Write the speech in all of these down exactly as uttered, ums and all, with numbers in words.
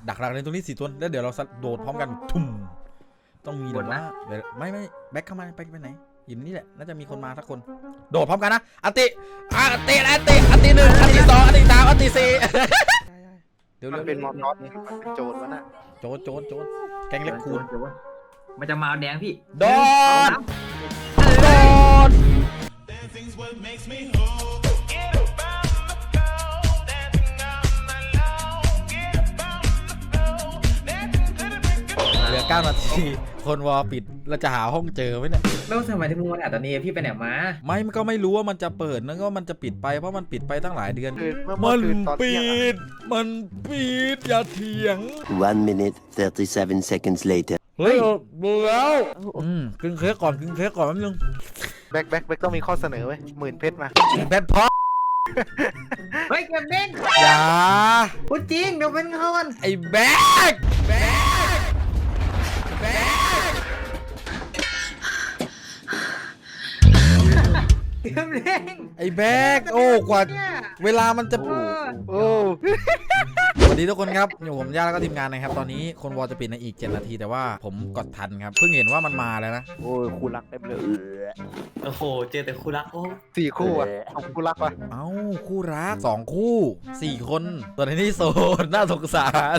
ดักรักในตรงนี้สี่ตัวแล้วเดี๋ยวเราโดดพร้อมกันทุ่มต้องมีแบบว่าไม่ไม่แบ็คเข้ามาไปไปไหนอยู่นี่แหละน่าจะมีคนมาสักคนโดดพร้อมกันนะอันติอันติอันติอันติหนึ่งอันติสองอันติสามอันติสี่เดี๋ยวมันเป็นมอทอสนี่มันเป็นโจรวะน่ะโจรโจรโจรแกงเล็บคูณมันจะมาแดงพี่โดนโดนเหลือเก้านาทีคนวอปิดเราจะหาห้องเจอไหมเนี่ยแล้วทำไมที่มึงมาอ่ะตอนนี้พี่ไปไหนมาไม่มันก็ไม่รู้ว่ามันจะเปิดนั่นก็มันจะปิดไปเพราะมันปิดไปตั้งหลายเดือนมันปิดมันปิดอย่าเถียง one minute thirty-seven seconds later เฮ้ยดูแล้วอืมกินเค้กก่อนกินเค้กก่อนแป๊บนึงแบ็คแบ็คแบ็คต้องมีข้อเสนอไว้หมื่นเพชรมาเพชรพอเฮ้ยเก็บเด้งอย่าพูดจริงเดี๋ยวเป็นเขากันไอ้แบ็คแบ็คแบ็คเก็บเด้งไอ้แบ็คโอ้กว่าเวลามันจะโอ้สวัสดีทุกคนครับอยู่ผมย่าแล้วก็ทีมงานนะครับตอนนี้คนวอลจะปิดในอีกเจ็ดนาทีแต่ว่าผมกดทันครับเพิ่งเห็นว่ามันมาแล้วนะโอ้ยคู่รักเต็มเลยโอ้โหเจอแต่คู่รักโอ้สี่คู่อ่ะสองคู่รักวะเอ้าคู่รักสองคู่สี่คนตัวนี้โซนน่าสงสาร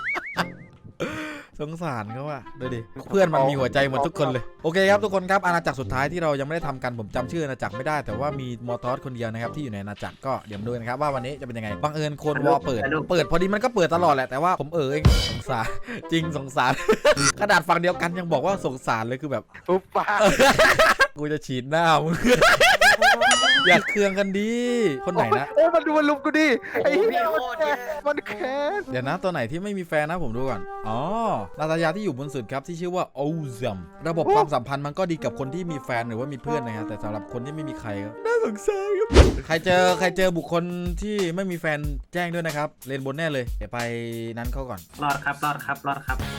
สงสารเขาอะดูดิเพื่อนมันมีหัวใจหมดทุกคนเลยโอเคครับทุกคนครับอาณาจักรสุดท้ายที่เรายังไม่ได้ทำกันผมจำชื่ออาณาจักรไม่ได้แต่ว่ามีมอทอสคนเดียวนะครับที่อยู่ในอาณาจักรก็เดี๋ยวมาดูนะครับว่าวันนี้จะเป็นยังไงบังเอิญคนวอเปิดเปิดพอดีมันก็เปิดตลอดแหละแต่ว่าผมเออสงสารจริงสงสารขนาดฝั่งเดียวกันยังบอกว่าสงสารเลยคือแบบปุ๊บป้ากูจะฉีดหน้ามึงอยากเคืองกันดีคนไหนนะโอ้มันดูมันลุมกูดิไอ้เหี้ยมันแค้นเดี๋ยวนะตัวไหนที่ไม่มีแฟนนะผมดูก่อนอ๋อนาตาญาที่อยู่บนสุดครับที่ชื่อว่าโอซัมระบบความสัมพันธ์มันก็ดีกับคนที่มีแฟนหรือว่ามีเพื่อนนะครับแต่สำหรับคนที่ไม่มีใครก็น่าสงสารครับใครเจอใครเจอบุคคลที่ไม่มีแฟนแจ้งด้วยนะครับเลนบนแน่เลยเดี๋ยวไปนั้นเขาก่อนรอดครับรอดครับรอดครับ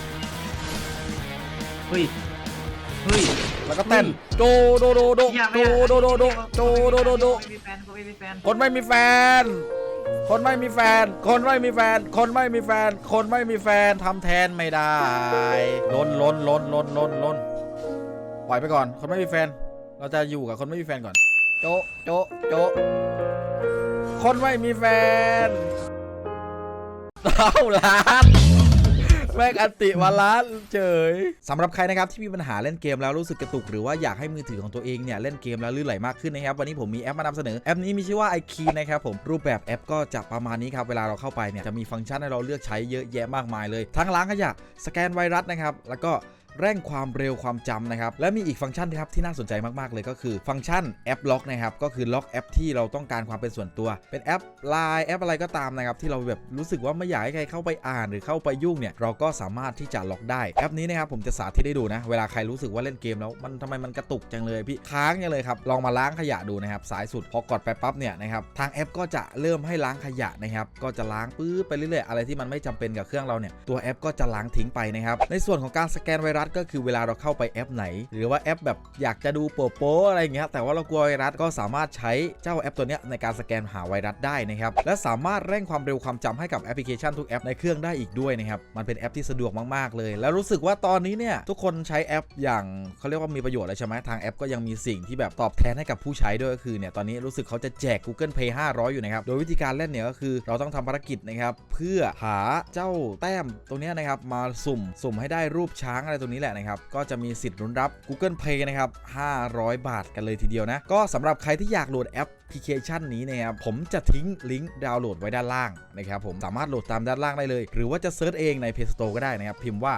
เฮ้ยเฮ้ยแล้วก็เต้นโดโดโดโดโดโดโดโดโดโดโดโดคนไม่มีแฟนคนไม่มีแฟนคนไม่มีแฟนคนไม่มีแฟนคนไม่มีแฟนทำแทนไม่ได้ล้นล้นล้นล้นล้นล้นปล่อยไปก่อนคนไม่มีแฟนเราจะอยู่กับคนไม่มีแฟนก่อนโจโจโจคนไม่มีแฟนเท่าล้านแม่งอันติวาล้านเฉยสำหรับใครนะครับที่มีปัญหาเล่นเกมแล้วรู้สึกกระตุกหรือว่าอยากให้มือถือของตัวเองเนี่ยเล่นเกมแล้วลื่นไหลมากขึ้นนะครับวันนี้ผมมีแอปมานำเสนอแอปนี้มีชื่อว่า iKey นะครับผมรูปแบบแอปก็จะประมาณนี้ครับเวลาเราเข้าไปเนี่ยจะมีฟังก์ชันให้เราเลือกใช้เยอะแยะมากมายเลยทั้งล้างขยะสแกนไวรัสนะครับแล้วก็เร่งความเร็วความจำนะครับและมีอีกฟังก์ชันนะครับที่น่าสนใจมากๆเลยก็คือฟังก์ชันแอปล็อกนะครับก็คือล็อกแอปที่เราต้องการความเป็นส่วนตัวเป็นแอป ไลน์ แอปอะไรก็ตามนะครับที่เราแบบรู้สึกว่าไม่อยากให้ใครเข้าไปอ่านหรือเข้าไปยุ่งเนี่ยเราก็สามารถที่จะล็อกได้แอปนี้นะครับผมจะสาธิตให้ดูนะเวลาใครรู้สึกว่าเล่นเกมแล้วมันทำไมมันกระตุกจังเลยพี่ค้างจังเลยครับลองมาล้างขยะดูนะครับสายสุดพอกดไปปั๊บเนี่ยนะครับทางแอปก็จะเริ่มให้ล้างขยะนะครับก็จะล้างปื้อไปเรื่อยๆอะไรที่มันไม่จำเป็นกับเครื่องเราเนี่ยตัวแอปก็จะล้างทิ้งไปนะครับในส่วนของการสแกนไวรัสก็คือเวลาเราเข้าไปแอปไหนหรือว่าแอปแบบอยากจะดูโป๊ะๆอะไรเงี้ยแต่ว่าเรากลัวไวรัสก็สามารถใช้เจ้าแอปตัวเนี้ยในการสแกนหาไวรัสได้นะครับและสามารถเร่งความเร็วความจำให้กับแอปพลิเคชันทุกแอปในเครื่องได้อีกด้วยนะครับมันเป็นแอปที่สะดวกมากๆเลยแล้วรู้สึกว่าตอนนี้เนี่ยทุกคนใช้แอปอย่างเขาเรียกว่ามีประโยชน์เลยใช่ไหมทางแอปก็ยังมีสิ่งที่แบบตอบแทนให้กับผู้ใช้ด้วยก็คือเนี่ยตอนนี้รู้สึกเขาจะแจก Google Play ห้าร้อยอยู่นะครับโดยวิธีการเล่นเนี่ยก็คือเราต้องทำภารกิจนะครับเพื่อหาเจ้าแต้มตรงนี้นะครับมาสุ่มสุ่มให้ได้รูปช้างอะไรตรงนี้แหละนะครับก็จะมีสิทธิ์ลุ้นรับ Google Play นะครับห้าร้อยบาทกันเลยทีเดียวนะก็สำหรับใครที่อยากโหลดแอปพลิเคชันนี้นะครับผมจะทิ้งลิงก์ดาวน์โหลดไว้ด้านล่างนะครับผมสามารถโหลดตามด้านล่างได้เลยหรือว่าจะเซิร์ชเองใน Play Store ก็ได้นะครับพิมพ์ว่า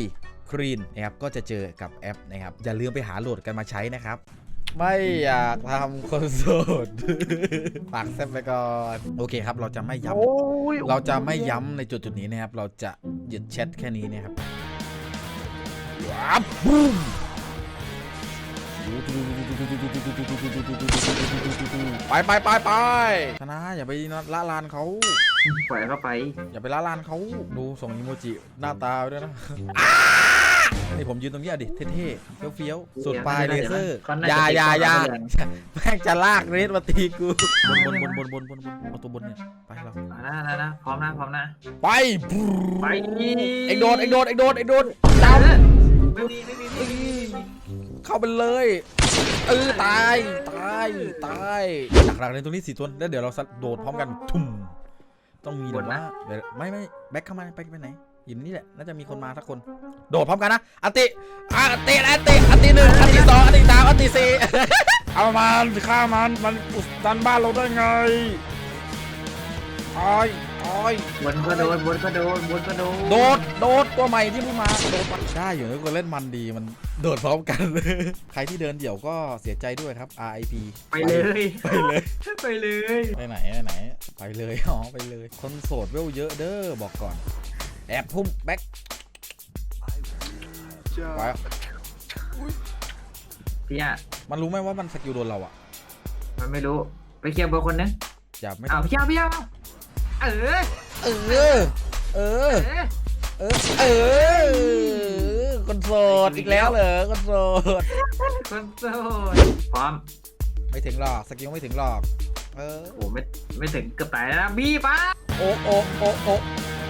iKey นะครับก็จะเจอกับแอปนะครับอย่าลืมไปหาโหลดกันมาใช้นะครับไม่อยากทำคนโสดฝากแซ่บไปก่อนโอเคครับเราจะไม่ย้ำเราจะไม่ย้ำในจุดจุดนี้นะครับเราจะหยุดแชทแค่นี้นะครับว้าวบูมไปไปไปไปชนะอย่าไปละลานเขาปล่อยเข้าไปอย่าไปละลานเขาดูส่งอีโมจิหน้าตาด้วยนะนี่ผมยืนตรงนี้อ่ะดิเท่ๆเฟี้ยวๆสุดปลายเลเซอร์อย่าอย่าอย่าแม่งจะลากเรสมาตีกูบนบนบนบนบนบนบนประตูบนเนี่ยไปเรานะนะนะพร้อมนะพร้อมนะไปไปเอ็งโดนเอ็งโดนเอ็งโดนเอ็งโดนเจ้าจำไม่มีไม่มีไม่มีเข้าไปเลยเออตายตายตายดักหลักในตรงนี้สี่ตัวแล้วเดี๋ยวเราโดดพร้อมกันทุ่มต้องมีหรือว่าไม่ไม่แบ็คเข้ามาไปไปไหนอยู่นี่แหละน่าจะมีคนมาสักคนโดดพร้อมกันนะอันติอันติอันติอันติหนึ่งอันติสองอันติสามอันติสี่เอามันฆ่ามันมันอุดตันบ้านเราได้ไงตายตายบนก็โดนบนก็โดนบนก็โดนโดดโดดตัวใหม่ที่เพิ่งมาโดดได้อยู่นะคนเล่นมันดีมันโดดพร้อมกันใครที่เดินเดี่ยวก็เสียใจด้วยครับ อาร์ ไอ พีไปเลยไปเลยไปเลยไปไหนไปไหนไปเลยอ๋อไปเลยคนโสดเวลเยอะเด้อบอกก่อนแอบพุ่มแบ็คไปพี่อ่ะมันรู้ไหมว่ามันสกิลโดนเราอ่ะมันไม่รู้ไปเคลียร์เบอร์คนนึงอย่าไม่อ้าวพี่อ่ะพี่อ่ะเออเออเออเออเออเออคนโสดอีกแล้วเหรอคนโสดคนโสดพร้อมไม่ถึงหรอกสกิลไม่ถึงหรอกเออโอ้ไม่ไม่ถึงเกือบตายแล้วนะบี้ป้าโอ้โอ้โอ้โอ้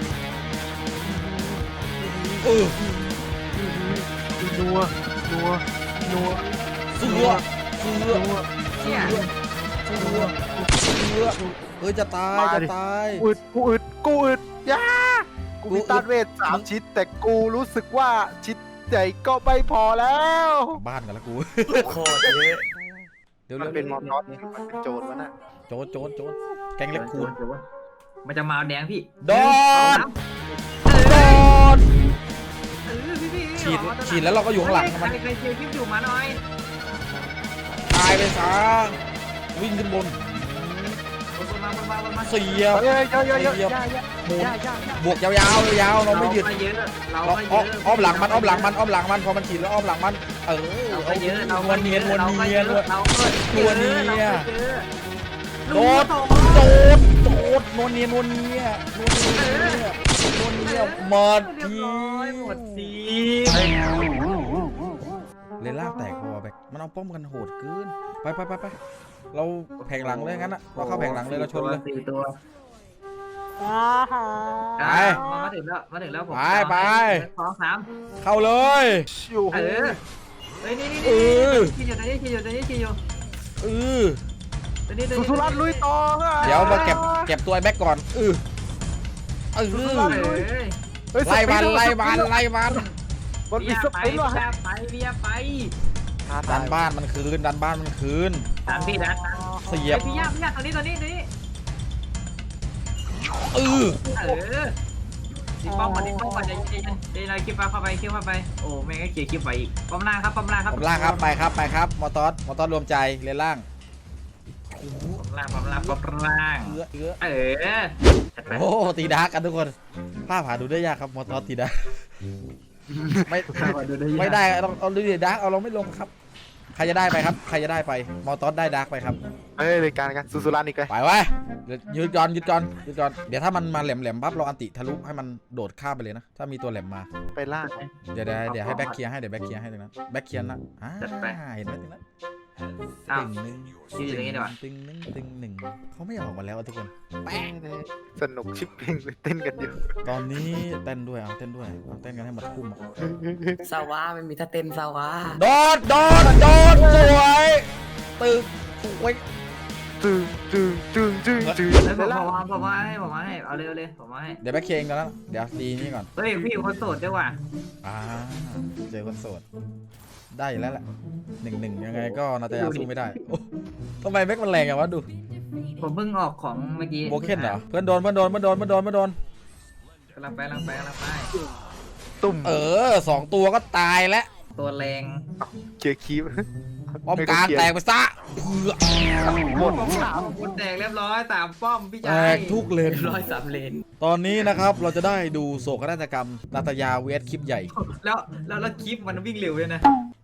เออนัวนัวนัวเสือเสือนัวเนี่ยเสือเสือเออจะตายจะตายอึดกูอึดกูอึดยากูมีต้านเวทสามชิ้นแต่กูรู้สึกว่าชิ้นใหญ่ก็ไม่พอแล้วบ้านกันแล้วกูโคตรเยอะเดี๋ยวมันเร็วเป็นมอนนอตมันเป็นโจรวะน่ะโจนโจนโจนแกงเล็กคูณมันจะมาแดงพี่โดนโดนเออพี่พี่ฉีดฉีดแล้วเราก็อยู่ข้างหลังใครมันใครเชียร์คลิปอยู่มาหน่อยตายไปซะวิ่งขึ้นบนบนมาบนมาบนมาเสียบเฮ้ยเยอะเยอะเยอะเสียบยายาหมุนยายาบวกยาวๆยาวๆเราไม่หยุดเยอะเราเราก็เยอ้ออะอ้อมหลังมันอ้อมหลังมันอ้อมหลังมันพอมันฉีดแล้วอ้อมหลังมันเออเราเอาก็เยอะเรานวลเนียนนวลเนียนเราก็เยอะโดดโดดโดดนวลเนียนนวลเนียนวลเนียนวลเนียหมดทีหมดทีเลนล่างแตกพอแบกมันเอาป้อมกันโหดเกินไปไปไปไปเราแผงหลังเลยงั้นอะเราเข้าแผงหลังเลยเราชนเลยสี่ตัวไปมาถึงแล้วมาถึงแล้วผมไปไปสองสามเข้าเลยชิวเออเฮ้ยนี่นี่เอนี่อขี่อยู่ตรงนี้ขี่อยู่ตรงนี้ขี่อยู่เออตรงนี้สุสุรัตน์ลุยต่อเดี๋ยวมาเก็บเก็บตัวไอ้แบ็กก่อนเออเออเฮ้ยไล่มันไล่มันไล่มันมันเบีมียสไปปินว่ะไปเบียไปดันบ้านมันคืนดันบ้านมันคืนตามพี่นะเสียบพี่ย่าพี่ย่าตรงนี้ตรงนี้ตรงนี้เออเออดิป้อมก่อนดิป้อมก่อนใจเย็นเดี๋ยวเราคลิปเข้าไปคลิปเข้าไปโอ้แม่งก็เขียนคลิปไปอีกป้อมล่างครับป้อมล่างครับผมล่างครับไปครับไปครับมอตอสมอตอสรวมใจเลนล่างป้อมล่างป้อมล่างป้อมล่างเอื้อเอื้อเออจัดไปโอ้ตีดาร์กกันทุกคนภาพหาดูได้ยากครับมอตอสตีดาร์กไม่ไม่ได้เราเอาดูดิดาร์กเอาเราไม่ลงครับใครจะได้ไปครับใครจะได้ไปมอตอสได้ดาร์กไปครับเฮ้ยรายการกันสุสุรัตน์อีกเลยไปไว้ยืดจอนยืดจอนยืดจอนเดี๋ยวถ้ามันมาแหลมแหลมปั๊บเราอันติทะลุให้มันโดดข้ามไปเลยนะถ้ามีตัวแหลมมาไปล่างเดี๋ยวเดี๋ยวเดี๋ยวให้แบ็คเคลียร์ให้เดี๋ยวแบ็คเคลียร์ให้ตรงนั้นแบ็คเคลียร์นะอ่าเห็นไหมตรงนั้นอ้าวตึงหนึ่งยืดอย่างนี้ดีกว่าตึงหนึ่งตึงหนึ่งเขาไม่ออกมาแล้วอะทุกคนสนุกชิปเพลงเต้นกันอยู่ตอนนี้เต้นด้วยเอาเต้นด้วยเอาเต้นกันให้หมดคุ้มอะสาวาไม่มีท่าเต้นสาวาโดดโดดโดดสวยตึกสวยตึงตึงตึงตึงตึงเฮ้ยผมผมมาผมมาให้ผมมาให้เอาเร็วเลยผมมาให้เดี๋ยวแบ็คเคลียร์กันแล้วเดี๋ยวตีนี่ก่อนเฮ้ยพี่คนโสดด้วยว่ะอ่าเจอคนโสดได้อยู่แล้วแหละหนึ่งหนึ่งยังไงก็นาตาสู้ไม่ได้โอ้ทำไมแบ็คมันแรงอย่างวะดูผมเพิ่งออกของเมื่อกี้โบเคนเหรอเพื่อนโดนเพื่อนโดนเพื่อนโดนเพื่อนโดนเพื่อนโดนกำลังไปกำลังไปกำลังไปตุ่มเออสองตัวก็ตายแล้วตัวแรงเกียร์คีบป้อมกลางแตกไปซะเพื่อหมดสามคนแตกเรียบร้อยสามป้อมพี่แตชายกทุกเลนร้อยสามเลนตอนนี้นะครับเราจะได้ดูโศกนาฏกรรมนาตายาเวสคลิปใหญ่แล้วแล้วแล้วคลิปมันวิ่งเร็วเลยนะ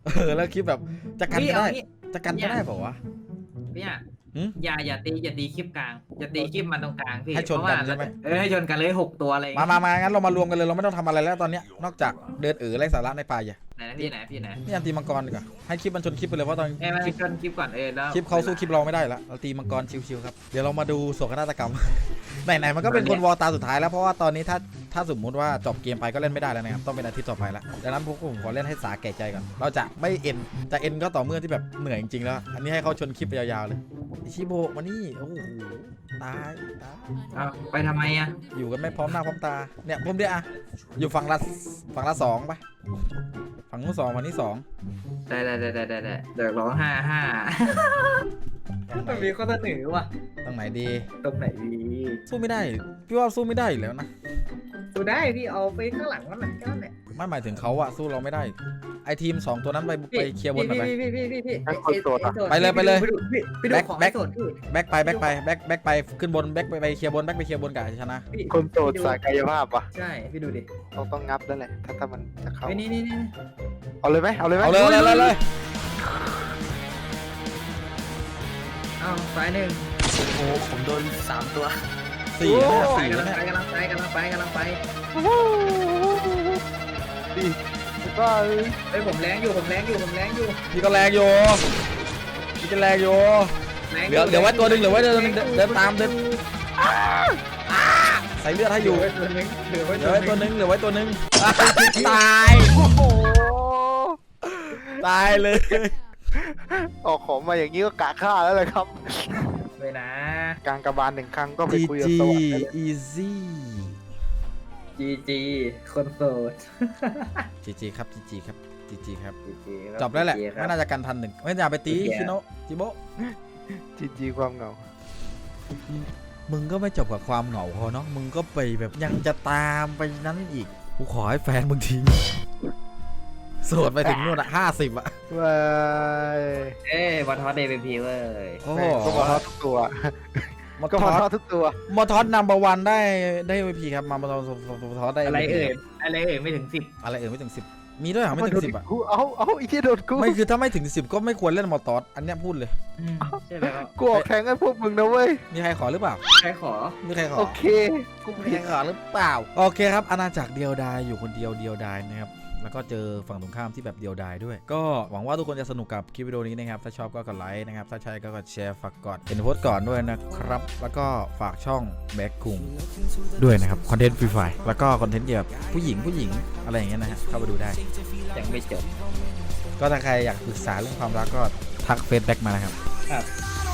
เออแล้วคลิปแบบจะกันพี่ก็เอาได้งี้จะกันก็ได้เปล่าวะพี่อ่ะหืมอย่าอย่าตีอย่าตีคลิปกลางอย่าตีคลิปมันตรงกลางพี่ให้ชนกันใช่ไหมเออให้ชนกันเลยหกตัวอะไรมามามางั้นเรามารวมกันเลยเราไม่ต้องทำอะไรแล้วตอนเนี้ยนอกจากเดินเอ๋อไร้สาระในป่าอย่าไหนนะพี่ไหนพี่ไหนนี่อันตีมังกรดีกว่าให้คลิปมันชนคลิปไปเลยเพราะตอนเอ้ยมาคลิปชนคลิปก่อนเออแล้วคลิปเขาสู้คลิปเราไม่ได้แล้วเราตีมังกรชิวๆครับเดี๋ยวเรามาดูโศกนาฏกรรม ไหนๆมันก็เป็นคนวอลตาสุดท้ายแล้วเพราะว่าตอนนี้ถ้าถ้าสมมุติว่าจบเกมไปก็เล่นไม่ได้แล้วนะครับต้องเป็นอาทิตย์ต่อไปแล้วดังนั้นพวกผมขอเล่นให้สาแก่ใจก่อนเราจะไม่เอ็นจะเอ็นก็ต่อเมื่อที่แบบเหนื่อยจริงๆแล้วอันนี้ให้เขาชนคลิปไปยาวๆเลยอิชิโบะมานี่โอ้โหตายตายเอาไปทำไมอ่ะอยู่กันไม่พร้อมหน้าพร้อมตาเนี่ยผมเดียวอะอยู่ฝั่งละฝั่งละสองไปฝั่งนู้นสองฝั่งนี้สองได้ได้ได้ได้ได้ได้เดี๋ยวร้องห้าห้ามันมีข้อเสนอว่ะตรงไหนดีตรงไหนดีสู้ไม่ได้พี่ว่าสู้ไม่ได้อยู่แล้วนะดูได้พี่เอาไปข้างหลังมันก็นั่นแหละไม่หมายถึงเขาอะสู้เราไม่ได้ไอทีมสองตัวนั้นไปไปเคลียร์บนหน่อยไปพี่พี่พี่พี่พี่ให้คนโสดอะไปเลยไปเลยพี่ดูพี่พี่ดูแบ็คของแบ็คไอ้โสดพี่แบ็คไปแบ็คไปแบ็คแบ็คไปขึ้นบนแบ็คไปไปเคลียร์บนแบ็คไปเคลียร์บนกับชนะพี่คนโสดสายกายภาพวะใช่พี่ดูดิต้องต้องงับแล้วแหละถ้าถ้ามันจะเข้าเฮ้ยนี่นี่นี่เอาเลยไหมเอาเลยไหมเอาเลยเลยเลยเลยเอาสายหนึ่งโอ้โหผมโดนสามตัวสี่นะไปสี่กำลันะงเนี่ยไปกำลังไปกำลังไปกำลังไปดีก็เฮ้ยผมแรงอยู่ผมแรงอยู่ผมแรงอยู่พี่ก็แรงอยู่พี่ก็แรงอยู่แรงเหลือเหลือไว้ตัวหนึ่งเหลือไว้ตัวหนึ่งเดินเดินตามเดินใส่เลือดให้อยู่เหลือไว้ตัวหนึงเหลือไว้เหลืตัอวไว้หตัวหนึนึ่งงเหลือไว้ตัวหนึ่งตายโอ้โหตายเลยออกของมาอย่างนี้ก็กะฆ่าแล้วเลยครับเลยนะกลางกระบาลหนึ่งครั้งก็ไปจีคุยกับจีสวรรค์ได้เลยอีซี่จีจีคนโสดจีจีครับจีจีครับจีจีครับจีจีครัจบแล้วแหละจีจีคไม่รับน่าจะกันทันหนึ่งไม่น่าไปตีโอเคชิโนะจิโบะจีจีความเหงามึงก็ไม่จบกับความเหงาพอเนาะมึงก็ไปแบบยังจะตามไปนั้นอีกกูขอให้แฟนมึงทิ้งโสดไปถึงนู่นอะห้าสิบอะว้ายเอ้ยวันทอดเดย์เป็นพีเว้ยโอ้แม่งก็มาทอดทุกตัวมาก็ทมาอทอดดทุกตัวมาทอดนัมเบอร์วันได้ได้เอพีครับมามาทอดทอดได้อะไร M V P เอ่ยอะไรเอ่ยไม่ถึงสิบอะไรเอ่ยไม่ถึงสิบมีด้วยเหรอไม่ถึงสิบอะกูเอาเอาอีกที่โดนกูไม่คือถ้าไม่ถึงสิบก็ไม่ควรเล่นมอตอสอันเนี้ยพูดเลยใช่แล้วกูออกแทงให้พวกมึงนะเว้ยมีใครขอหรือเปล่าใครขอมีใครขอโอเค กูมีผิใครดขอหรือเปล่าโอเคครับอาณาจักรเดียวดายอยู่คนเดียวเดียวดายนะครับแล้วก็เจอฝั่งตรงข้ามที่แบบเดียวดายด้วยก็หวังว่าทุกคนจะสนุกกับคลิปวิดีโอนี้นะครับถ้าชอบก็กดไลค์นะครับถ้าใช่ก็กดแชร์ฝากกดเป็นโพสต์ก่อนด้วยนะครับแล้วก็ฝากช่องแบ็คคุงด้วยนะครับคอนเทนต์ฟรีไฟแล้วก็คอนเทนต์เกี่ยวกับผู้หญิงผู้หญิงอะไรอย่างเงี้ยนะฮะเข้าไปดูได้ยังไม่จบก็ถ้าใครอยากปรึกษาเรื่องความรักก็ทักเฟซแบ็กมานะครับครับ